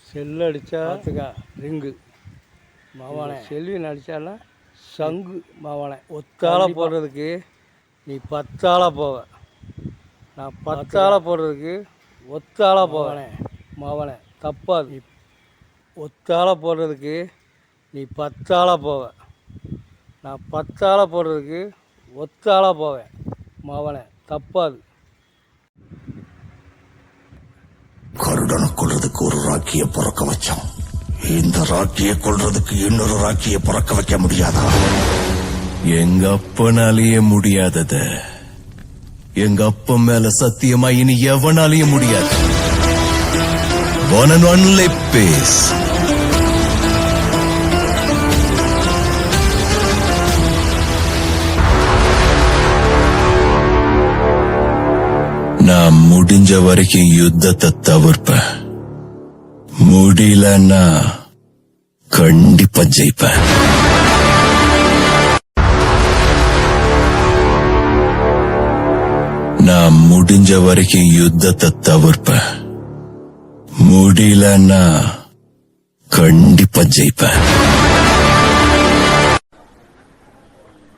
Cell அடித்தா ring மாவானே, Selvin அடித்தானா சங்கு மாவானே. ஒத்தால போடுறதுக்கு நீ 10 ஆளாக போவ, நான் 10 ஆளாக போடுறதுக்கு ஒத்தால போவேனே மாவானே. தப்பாது. ஒத்தால போடுறதுக்கு நீ 10 ஆளாக போவ, நான் 10 ஆளாக போடுறதுக்கு ஒத்தாளாக போவேன் மாவானே. தப்பாது. கருடனை கொள்றதுக்கு ஒரு ராக்கிய பிறக்க வச்சான், இந்த ராக்கிய கொள்றதுக்கு இன்னொரு ராக்கிய பிறக்க வைக்க முடியாதா? எங்க அப்பனாலேயே முடியாதத எங்க அப்பன் மேல சத்தியமா இனி எவனாலேயே முடியாது. One and only peace. நான் முடிஞ்ச வரைக்கும் யுத்தத்தை தவிர்ப்பேன், முடியலன்னா கண்டிப்பா ஜெயிப்பேன். நான் முடிஞ்ச வரைக்கும் யுத்தத்தை தவிர்ப்பேன், முடியலன்னா கண்டிப்பா ஜெயிப்பேன்.